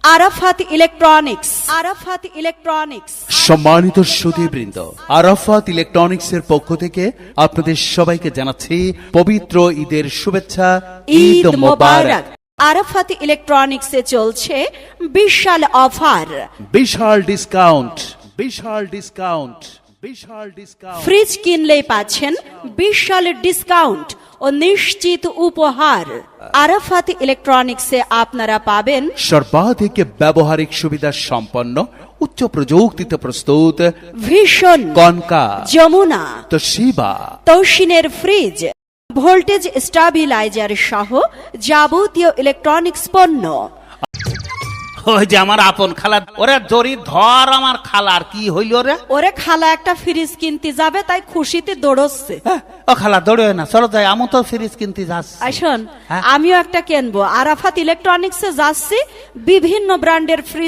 Arafat electronics, Arafat electronics. সম্মানিত সুধীবৃন্দ, আরাফাত ইলেকট্রনিক্সের পক্ষ থেকে আপনাদের সবাইকে জানাচ্ছি পবিত্র ঈদের শুভেচ্ছা। ঈদ মোবারক। আরাফাত ইলেকট্রনিক্সে চলছে বিশাল অফার, বিশাল ডিসকাউন্ট, বিশাল ডিসকাউন্ট, বিশাল ডিসকাউন্ট। ফ্রিজ কিনলেই পাচ্ছেন বিশাল ডিসকাউন্ট ও নিশ্চিত উপহার। আরাফাত ইলেকট্রনিক্সে আপনারা পাবেন সর্বাধিক ব্যবহারিক সুবিধা সম্পন্ন উচ্চ প্রযুক্তিতে প্রস্তুত ভীষণ, কনকা, যমুনা, তোশিবা, তৌসিনের ফ্রিজ, ভোল্টেজ স্টাবিলাইজার সহ যাবতীয় ইলেকট্রনিক্স পণ্য। ওই যে আমার আপন খালা, ওরে জরি ধর আমার খালার কি হইল রে? ওরে খালা একটা ফ্রিজ কিনতে যাবে, তাই খুশিতে দৌড়চ্ছে। ও খালা দৌড়ে না, চলো যাই, আমি তো ফ্রিজ কিনতে যাচ্ছি। আসুন, হ্যাঁ? আমিও একটা কিনবো। আরাফাত ইলেকট্রনিক্সে যাচ্ছি, বিভিন্ন ব্র্যান্ডের ফ্রিজ